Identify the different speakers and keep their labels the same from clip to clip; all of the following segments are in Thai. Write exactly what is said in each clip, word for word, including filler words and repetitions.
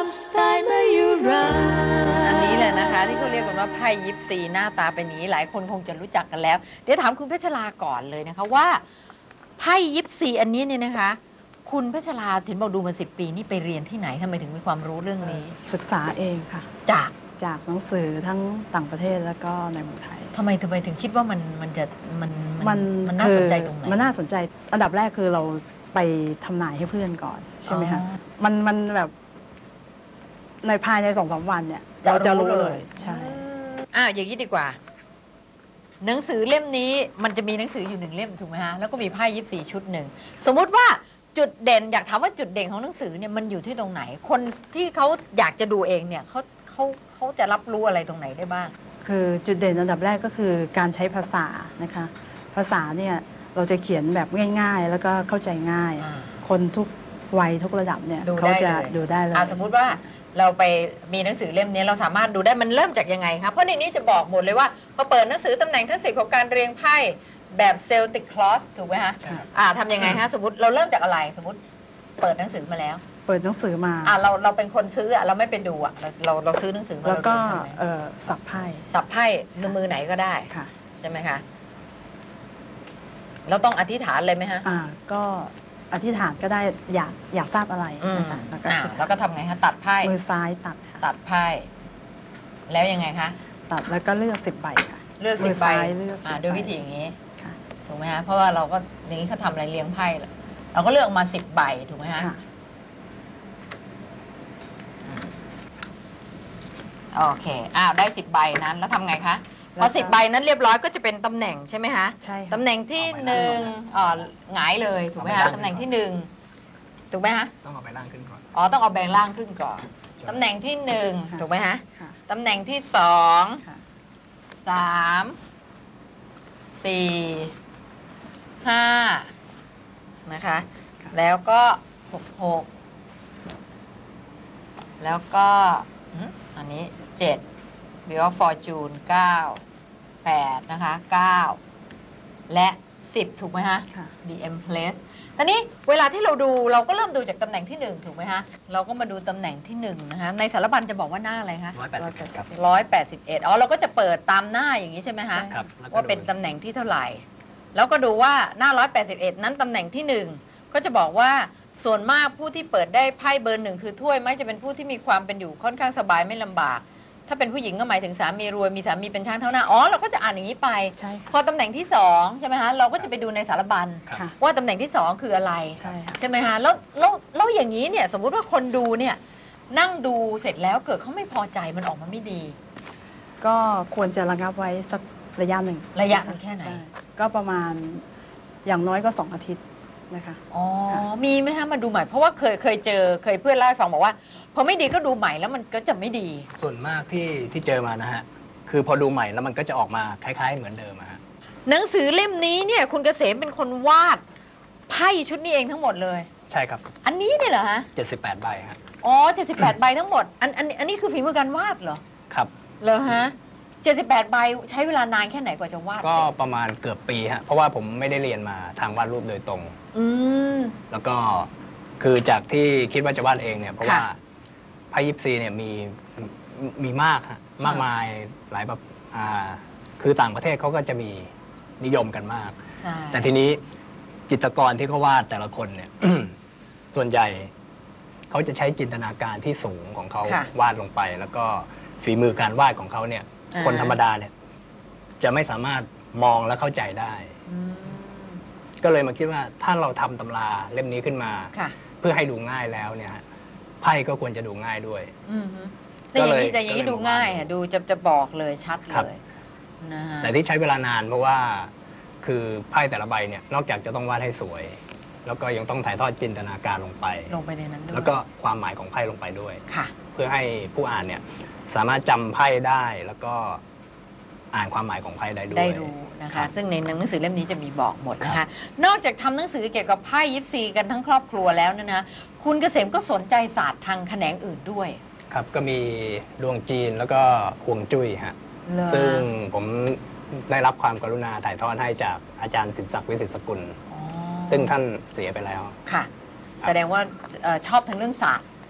Speaker 1: อันนี้เลยนะคะที่เขาเรียกกันว่าไพ่ยิปซีหน้าตาเป็นอย่างนี้หลายคนคงจะรู้จักกันแล้วเดี๋ยวถามคุณเพชรลาก่อนเลยนะคะว่าไพ่ยิปซีอันนี้เนี่ยนะคะคุณเพชรลาเห็นบอกดูมาสิบปีนี่ไปเรียนที่ไหนทำไมถึงมีความรู้เรื่องนี้
Speaker 2: ศึกษาเองค่ะ
Speaker 1: จาก
Speaker 2: จากหนังสือทั้งต่างประเทศแล้วก็ในเมืองไทย
Speaker 1: ทำไมทำไมถึงคิดว่ามันมันจะมัน
Speaker 2: มัน
Speaker 1: มันน่าสนใจตรงไหน
Speaker 2: มันน่าสนใจอันดับแรกคือเราไปทำนายให้เพื่อนก่อนใช่ไหมคะมันมันแบบในภายในสองสามวันเนี่ยเราจะรู้เลยใช่
Speaker 1: อ้าวอย่างนี้ดีกว่าหนังสือเล่มนี้มันจะมีหนังสืออยู่หนึ่งเล่มถูกไหมฮะแล้วก็มีไพ่ยิปซีชุดหนึ่งสมมุติว่าจุดเด่นอยากถามว่าจุดเด่นของหนังสือเนี่ยมันอยู่ที่ตรงไหนคนที่เขาอยากจะดูเองเนี่ยเขาเขาเขาจะรับรู้อะไรตรงไหนได้บ้าง
Speaker 2: คือจุดเด่นอันดับแรกก็คือการใช้ภาษานะคะภาษาเนี่ยเราจะเขียนแบบง่ายๆแล้วก็เข้าใจง่ายคนทุกวัยทุกระดับเนี่ยเขาจะดูได้เลย
Speaker 1: สมมุติว่าเราไปมีหนังสือเล่มนี้เราสามารถดูได้มันเริ่มจากยังไงครับเพราะในนี้จะบอกหมดเลยว่าพอเปิดหนังสือตำแหน่งทั้งสิบของการเรียงไพ่แบบเซลติกคลอสถูกไหมฮะอ่าทำยังไงฮะสมมติเราเริ่มจากอะไรสมมติเปิดหนังสือมาแล้ว
Speaker 2: เปิดหนังสือมา
Speaker 1: อ่าเราเราเป็นคนซื้ออ่ะเราไม่ไปดูอ่ะเราเราเราซื้อหนังสือมา
Speaker 2: แล้วก็เอ่อสับไพ่
Speaker 1: สับไพ่มือไหนก็ได้
Speaker 2: ค่ะ
Speaker 1: ใช่ไหมคะเราต้องอธิษฐานเลยไหมฮะ
Speaker 2: อ่าก็อธิษฐานก็ได้อยากอยากทราบอะไร
Speaker 1: นะคะแล้วก็แล้วก็ทำไงคะตัดไพ่
Speaker 2: มือซ้ายตัด
Speaker 1: ตัดไพ่แล้วยังไงคะ
Speaker 2: ตัดแล้วก็เลือกสิบใบค่ะ
Speaker 1: เลือกสิบใบอ่าด้วยวิธีอย่างนี้ถูกไหมฮะเพราะว่าเราก็อย่างนี้เขาทำอะไรเลี้ยงไพ่เราก็เลือกมาสิบใบถูกไหมฮะโอเคอ้าวได้สิบใบนั้นแล้วทำไงคะพอสิบใบนั้นเรียบร้อยก็จะเป็นตำแหน่งใช่ไหมคะ
Speaker 2: ใช่
Speaker 1: ตำแหน่งที่หนึ่งอ๋อหงายเลยถูกไหมคะตำแหน่งที่หนึ่งถูกไหมฮะ
Speaker 3: ต้องเอาใบล่างขึ้นก่อน
Speaker 1: อ๋อต้องเอาแบงล่างขึ้นก่อนตำแหน่งที่หนึ่งถูกไหมฮะตำแหน่งที่สองสามสี่ห้านะคะแล้วก็หกหกแล้วก็อันนี้เจ็ดวิวฟอร์จูนเก้าแปดนะคะเก้าและสิบถูกไหมฮะ ดี เอ็ม Place ตอนนี้เวลาที่เราดูเราก็เริ่มดูจากตำแหน่งที่หนึ่งถูกไหมฮะเราก็มาดูตำแหน่งที่หนึ่งนะคะในสารบัญจะบอกว่าหน้าอะไรคะ
Speaker 3: ร้อยแปดสิบเอ็ดครับ
Speaker 1: ร้อยแปดสิบเอ็ดอ๋อเราก็จะเปิดตามหน้าอย่างนี้ใช่ไหมคะว่าเป็นตำแหน่งที่เท่าไหร่แล้วก็ดูว่าหน้าร้อยแปดสิบเอ็ดนั้นตำแหน่งที่หนึ่งก็จะบอกว่าส่วนมากผู้ที่เปิดได้ไพ่เบอร์หนึ่งคือถ้วยมักจะเป็นผู้ที่มีความเป็นอยู่ค่อนข้างสบายไม่ลำบากถ้าเป็นผู้หญิงก็หมายถึงสามีรวยมีสามีเป็นช่างเท่าหน้าอ๋อเราก็จะอ่านอย่างนี้ไปพอตำแหน่งที่สองใช่ไหมคะเราก็จะไปดูในสารบัญว่าตำแหน่งที่สองคืออะไรใช่ไหมคะแล้วแล้วแล้วอย่างนี้เนี่ยสมมุติว่าคนดูเนี่ยนั่งดูเสร็จแล้วเกิดเขาไม่พอใจมันออกมาไม่ดี
Speaker 2: ก็ควรจะระงับไว้สักระยะหนึ่ง
Speaker 1: ระยะมันแค่ไหน
Speaker 2: ก็ประมาณอย่างน้อยก็สองอาทิตย์นะคะ
Speaker 1: อ๋อมีไหมคะมาดูใหม่เพราะว่าเคยเคยเจอเคยเพื่อนเล่าให้ฟังบอกว่าพอไม่ดีก็ดูใหม่แล้วมันก็จะไม่ดี
Speaker 3: ส่วนมากที่ที่เจอมานะฮะคือพอดูใหม่แล้วมันก็จะออกมาคล้ายๆเหมือนเดิมอะฮะ
Speaker 1: หนังสือเล่มนี้เนี่ยคุณเกษมเป็นคนวาดไพ่ชุดนี้เองทั้งหมดเลย
Speaker 3: ใช่ครับ
Speaker 1: อันนี้เนี่ยเหรอฮะ
Speaker 3: เจ็ดสิบแปดใบครับ
Speaker 1: อ๋อเจ็ดสิบแปดใบทั้งหมดอันอันอันนี้คือฝีมือการวาดเหรอ
Speaker 3: ครับ
Speaker 1: เหรอฮะเจ็ดสิบแปดใบใช้เวลานานแค่ไหนกว่าจะวาด
Speaker 3: ก็ประมาณเกือบปีฮะเพราะว่าผมไม่ได้เรียนมาทางวาดรูปโดยตรง
Speaker 1: อืม
Speaker 3: แล้วก็คือจากที่คิดว่าจะวาดเองเนี่ยเพราะว่าไพ่ยิปซีเนี่ยมีมีมากฮะมากมายหลายแบบอ่าคือต่างประเทศเขาก็จะมีนิยมกันมากแต่ทีนี้จิตรกรที่เขาวาดแต่ละคนเนี่ย ส่วนใหญ่เขาจะใช้จินตนาการที่สูงของเขาวาดลงไปแล้วก็ฝีมือการวาดของเขาเนี่ยคนธรรมดาเนี่ยจะไม่สามารถมองและเข้าใจได้ก็เลยมาคิดว่าถ้าเราทำตำราเล่มนี้ขึ้นมาเพื่อให้ดูง่ายแล้วเนี่ยไพ่ก็ควรจะดูง่ายด้วย
Speaker 1: แต่อย่างนี้แต่อย่างนี้ดูง่ายดูจะจะบอกเลยชัดเลย
Speaker 3: นะแต่ที่ใช้เวลานานเพราะว่าคือไพ่แต่ละใบเนี่ยนอกจากจะต้องวาดให้สวยแล้วก็ยังต้องถ่ายทอดจินตนาการลงไป
Speaker 1: ลงไปในนั้นด้วย
Speaker 3: แล้วก็ความหมายของไพ่ลงไปด้วย
Speaker 1: ค่ะ
Speaker 3: เพื่อให้ผู้อ่านเนี่ยสามารถจำไพ่ได้แล้วก็อ่านความหมายของไพ่ได้ด้วย
Speaker 1: ได้รู้นะคะซึ่งในหนังสือเล่มนี้จะมีบอกหมดนะคะนอกจากทำหนังสือเกี่ยวกับไพ่ยิปซีกันทั้งครอบครัวแล้วนะนะคุณเกษมก็สนใจศาสตร์ทางแขนงอื่นด้วย
Speaker 3: ครับก็มีดวงจีนแล้วก็ฮวงจุ้ยฮะซึ่งผมได้รับความกรุณาถ่ายทอดให้จากอาจารย์สินศักดิ์วิสิตสกุลซึ่งท่านเสียไปแล้ว
Speaker 1: ค่ะแสดงว่าชอบทั้งเรื่องศาสตร์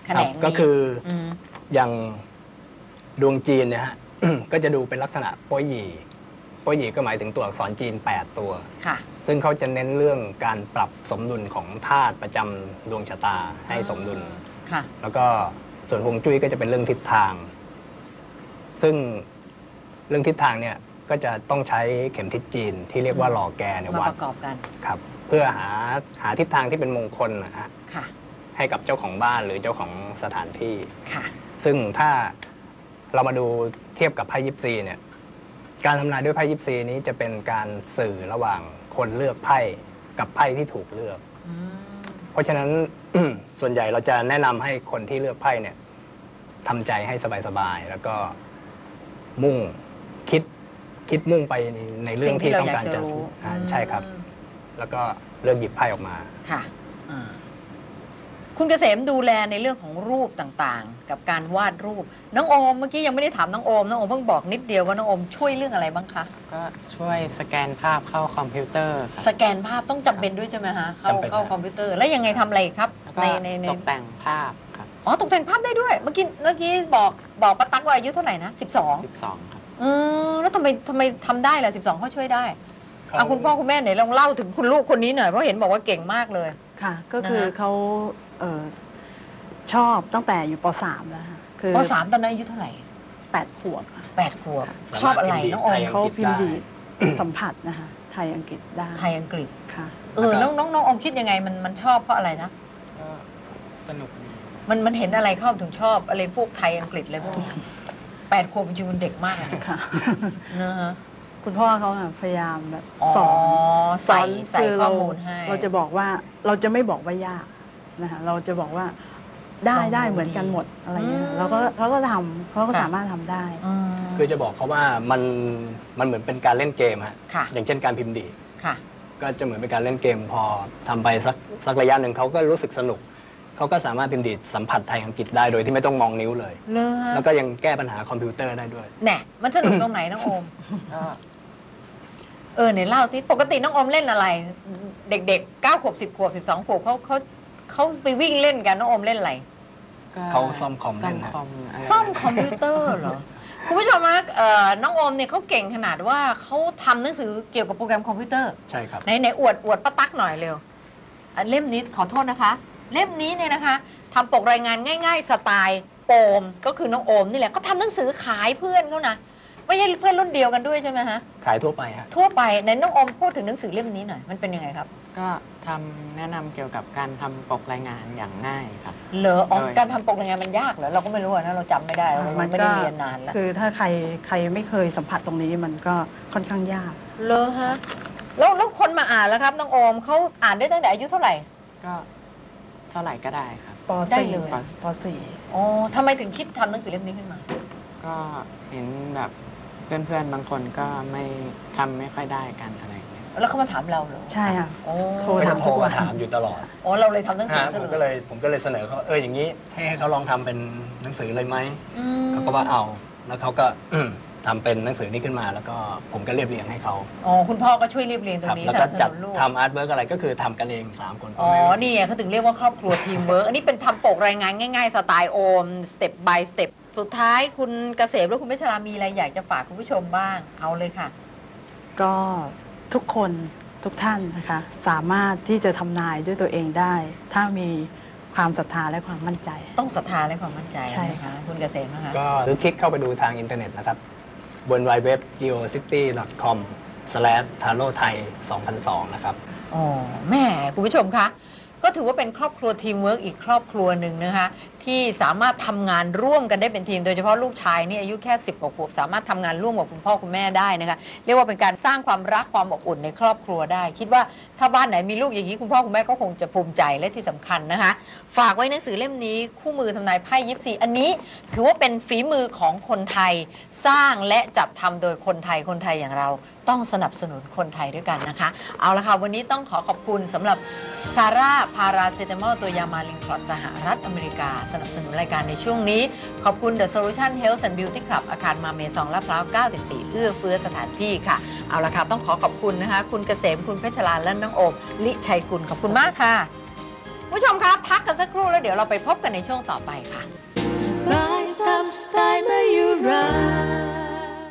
Speaker 1: แขนงนี้
Speaker 3: ก็คืออ
Speaker 1: ม
Speaker 3: อย่างดวงจีนเนี่ยฮะ ก็จะดูเป็นลักษณะโป้ยหยี่โป้ยหยี่ก็หมายถึงตัวอักษรจีนแปดตัว
Speaker 1: ค่ะ
Speaker 3: ซึ่งเขาจะเน้นเรื่องการปรับสมดุลของธาตุประจำดวงชะตาให้สมดุล
Speaker 1: ค่ะ
Speaker 3: แล้วก็ส่วนฮวงจุ้ยก็จะเป็นเรื่องทิศทาง ซึ่งเรื่องทิศทางเนี่ยก็จะต้องใช้เข็มทิศจีนที่เรียกว่าหล่อแกเนี่ย
Speaker 1: มา
Speaker 3: วั
Speaker 1: ป
Speaker 3: ด
Speaker 1: ระกอบกัน
Speaker 3: ครับเพื่อหาหาทิศทางที่เป็นมงคลนะฮะ
Speaker 1: ค่ะ
Speaker 3: ให้กับเจ้าของบ้านหรือเจ้าของสถานที่
Speaker 1: ค่ะ
Speaker 3: ซึ่งถ้าเรามาดูเทียบกับไพ่ยิปซีเนี่ยการทำนายด้วยไพ่ยิปซีนี้จะเป็นการสื่อระหว่างคนเลือกไพ่กับไพ่ที่ถูกเลือก
Speaker 1: อืม
Speaker 3: เพราะฉะนั้น ส่วนใหญ่เราจะแนะนำให้คนที่เลือกไพ่เนี่ยทำใจให้สบายๆแล้วก็มุ่งคิดคิดมุ่งไปในในเรื่องที่ต้องการจะอ่าใช่ครับ แล้วก็เลือกหยิบไพ่ออกมา
Speaker 1: ค่ะอ่าคุณเกษมดูแลในเรื่องของรูปต่างๆ กับการวาดรูป น้องโอมเมื่อกี้ยังไม่ได้ถามน้องโอม น้องโอมเพิ่งบอกนิดเดียวว่าน้องโอมช่วยเรื่องอะไรบ้างคะ
Speaker 4: ก็ช่วยสแกนภาพเข้าคอมพิวเตอร์ครับ
Speaker 1: สแกนภาพต้องจำเป็นด้วยใช่ไหมฮะ เข้า
Speaker 3: จำเป็น
Speaker 1: เข้า
Speaker 3: ครับ
Speaker 1: คอมพิวเตอร์ แล้วยังไงทำอะไรอีกครับ
Speaker 4: แล้วก็
Speaker 1: ในในใน
Speaker 4: ตกแต่งภาพครับ
Speaker 1: อ๋อ ตกแต่งภาพได้ด้วย เมื่อกี้เมื่อกี้บอกบอกป้าตั๊กว่าอายุเท่าไหร่นะสิบสอง
Speaker 4: สิบสองครับ
Speaker 1: อืมแล้วทำไมทำไมทำได้ล่ะสิบสองเขาช่วยได้
Speaker 3: เขา
Speaker 1: เอาคุณพ่อคุณแม่ไหนลองเล่าถึงคุณลูกคนนี้หน่อย เพราะเห็นบอกว่าเก่งมากเลย
Speaker 2: ค่ะ ก็คือ
Speaker 1: นะคะ
Speaker 2: เขาเอ่อชอบตั้งแต่อยู่ป .สาม แล้วค่ะคือ
Speaker 1: ปสามตอนนั้นอายุเท่าไหร่
Speaker 2: แปดขวบค่ะ
Speaker 1: แปดขวบ ชอบอะไรน้องโอม
Speaker 2: เขาพิมพ์ดีดสัมผัสนะคะไทยอังกฤษได้
Speaker 1: ไทยอังกฤษ
Speaker 2: ค่ะ
Speaker 1: เออ น้องน้องน้องอมคิดยังไง มันมันชอบเพราะอะไรนะ
Speaker 4: ก็สนุกดี
Speaker 1: มันมันเห็นอะไรเข้าถึงชอบอะไรพวกไทยอังกฤษอะไรพวกนี้แปดขวบจริงๆมันเด็กมากเลยนะ
Speaker 2: ค่ะ
Speaker 1: นะฮะ
Speaker 2: คุณพ่อเขาอะพยายามแบบ
Speaker 1: อ๋อ
Speaker 2: สอน
Speaker 1: ใส่
Speaker 2: สอน
Speaker 1: ใส่
Speaker 2: คือ
Speaker 1: ข้อ
Speaker 2: เรา
Speaker 1: มูลให้
Speaker 2: เราจะบอกว่าเราจะไม่บอกว่ายากนะคะเราจะบอกว่าได้
Speaker 1: ลองดู
Speaker 2: ได้เหมือนกันหมดอะไรเงี้
Speaker 1: อื
Speaker 2: ย
Speaker 1: ม
Speaker 2: เราก็เขาก็ทำเขาก็
Speaker 1: ค่ะ
Speaker 2: สามารถทำได้
Speaker 1: อืม
Speaker 3: คือจะบอกเขาว่ามันมันเหมือนเป็นการเล่นเกมฮะ
Speaker 1: ค่ะ
Speaker 3: อย่างเช่นการพิมพ์ดีด
Speaker 1: ค่ะ
Speaker 3: ก็จะเหมือนเป็นการเล่นเกมพอทำไปสักสักระยะหนึ่งเขาก็รู้สึกสนุก เขาก็สามารถพิมพ์ดีดสัมผัสไทยอังกฤษได้โดยที่ไม่ต้องมองนิ้วเลย
Speaker 1: เลยฮะ
Speaker 3: แล้วก็ยังแก้ปัญหาคอมพิวเตอร์ได้ด้วย
Speaker 1: แหน่มันสนุกตรงไหนน้องโอม
Speaker 4: ก็
Speaker 1: เออไหนเล่าที่ปกติน้องโอมเล่นอะไร เด็กๆเก้าขวบสิบขวบสิบสองขวบเขาเขาเขาไปวิ่งเล่นกันน้องโอมเล่นอะไร
Speaker 4: ก็
Speaker 3: เขาซ่อมคอม
Speaker 4: ซ่อ
Speaker 3: เล่
Speaker 4: ม
Speaker 3: นนะ
Speaker 4: คอมอะไร
Speaker 1: ซ่อมคอมพิวเตอร์เหรอ คุณผู้ชมนะเอ่อน้องโอมเนี่ยเขาเก่งขนาดว่าเขาทำหนังสือเกี่ยวกับโปรแกรมคอมพิวเตอร์
Speaker 3: ใช่ครับ
Speaker 1: ไหนไหนอวดอวดป้าตั๊กหน่อยเร็วอ่ะเล่มนี้ขอโทษนะคะ เล่มนี้เนี่ยนะคะทำปกรายงานง่าย ๆ สไตล์โอมก็คือน้องโอมนี่แหละเขาทำหนังสือขายเพื่อนเขานะไม่ใช่เพื่อนรุ่นเดียวกันด้วยใช่ไหมฮะ
Speaker 3: ขายทั่วไปฮะ
Speaker 1: ทั่วไปไหนน้องโอมพูดถึงหนังสือเล่มนี้หน่อยมันเป็นยังไงครับ
Speaker 4: ก็ทำแนะนำเกี่ยวกับการทำปกรายงานอย่างง่ายครับ
Speaker 1: เหรออ๋อ
Speaker 4: โดย
Speaker 1: การทำปกรายงานมันยากเหรอเราก็ไม่รู้อะนะเราจำไม่ได้เรา
Speaker 2: มัน
Speaker 1: ไม่
Speaker 2: ก็
Speaker 1: ได้เรียนนานแล้ว
Speaker 2: คือถ้าใครใครไม่เคยสัมผัสตรงนี้มันก็ค่อนข้างยาก
Speaker 1: เหรอฮะแล้วแล้วคนมาอ่านแล้วครับน้องโอมเขาอ่านได้ตั้งแต่อายุเท่าไหร่
Speaker 4: ก็เท่าไหร่ก็ได้ครับ
Speaker 2: ป
Speaker 1: ได้
Speaker 2: .สี่
Speaker 1: เลย
Speaker 2: ป .สี่
Speaker 1: อ๋อทำไมถึงคิดทำหนังสือเล่มนี้ขึ้นมา
Speaker 4: ก็เห็นแบบเพื่อนๆบางคนก็ไม่ทำไม่ค่อยได้กันอะไรอย่างเงี้ย
Speaker 1: แล้วเขามาถามเราเหรอ
Speaker 2: ใช่ค่ะ
Speaker 1: โอ้
Speaker 2: โทร
Speaker 3: ก็
Speaker 2: ถา
Speaker 3: จะ
Speaker 2: ม
Speaker 3: โทรมาถามอยู่ตลอด
Speaker 1: อ๋อเราเลยทำหนังสือ
Speaker 3: ฮะ
Speaker 1: เส
Speaker 3: ผม
Speaker 1: นอ
Speaker 3: ก็เลยผมก็เลยเสนอเขาว่าเอออย่างนี้ให้ให้เขาลองทำเป็นหนังสือเลยไหม
Speaker 1: อืม
Speaker 3: เขาก็ว่าเอา แล้วเขาก็ อืมทำเป็นหนังสือนี้ขึ้นมา แล้วก็ผมก็เรียบเรียงให้เขา
Speaker 1: อ๋อคุณพ่อก็ช่วยเรียบเรียงตร
Speaker 3: ครับ
Speaker 1: งนี้
Speaker 3: แล้ว
Speaker 1: ส
Speaker 3: ก็
Speaker 1: นับส
Speaker 3: จัด
Speaker 1: นุนลูก
Speaker 3: ทำอาร์ตเวิร์กอะไรก็คือทำกันเองสามคน
Speaker 1: อ๋อ
Speaker 3: ไม่
Speaker 1: นี่ไงเขาถึงเรียกว่าครอบครัวทีมเวิร์กอันนี้เป็นทำปกรายงานง่ายๆ สไตล์โอมสเต็ป by สเต็ปสุดท้ายคุณเกษมและคุณเพชรรามีอะไรอยากจะฝากคุณผู้ชมบ้างเอาเลยค่ะ
Speaker 2: ก็ทุกคนทุกท่านนะคะ สามารถที่จะทำนายด้วยตัวเองได้ ถ้ามีความศรัทธาและความมั่นใจ
Speaker 1: ต้องศรัทธาและความมั่นใจ
Speaker 2: ใช่
Speaker 1: นะ
Speaker 2: ค่ะ
Speaker 1: คะคุณเกษมนะคะ
Speaker 3: ก็หรือคลิกเข้าไปดูทางอินเทอร์เน็ตนะครับบน ดับเบิลยู ดับเบิลยู ดับเบิลยู ดอท จี โอ ซิตี้ ดอท คอม สแลช ทาโร่ไทย สองพันสอง นะครับ
Speaker 1: อ๋อแม่คุณผู้ชมคะก็ถือว่าเป็นครอบครัวทีมเวิร์กอีกครอบครัวหนึ่งนะคะที่สามารถทำงานร่วมกันได้เป็นทีม โดยเฉพาะลูกชายนี่อายุแค่สิบกว่าขวบสามารถทำงานร่วมกับคุณพ่อคุณแม่ได้นะคะเรียกว่าเป็นการสร้างความรักความอบอุ่นในครอบครัวได้ คิดว่าถ้าบ้านไหนมีลูกอย่างนี้คุณพ่อคุณแม่ก็คงจะภูมิใจและที่สำคัญนะคะฝากไว้หนังสือเล่มนี้คู่มือทำนายไพ่ยิปซีอันนี้ถือว่าเป็นฝีมือของคนไทย สร้างและจัดทำโดยคนไทยคนไทยอย่างเราต้องสนับสนุนคนไทยด้วยกันนะคะเอาละค่ะวันนี้ต้องขอขอบคุณสำหรับซาร่าพาราเซตามอลตัวยามาลิงคลอดสหรัฐอเมริกาสนับสนุนรายการในช่วงนี้ขอบคุณ The Solution Health and Beauty Club อาคารมาเมซองลาดพร้าวเก้าสิบสี่เอื้อเฟื้อสถานที่ค่ะเอาละค่ะต้องขอขอบคุณนะคะคุณเกษมคุณเพชรลาและน้องโอมลิชัยกุลขอบคุณมากค่ะผู้ชมครับพักกันสักครู่แล้วเดี๋ยวเราไปพบกันในช่วงต่อไปค่ะ
Speaker 5: สบายตามสไตล์แม่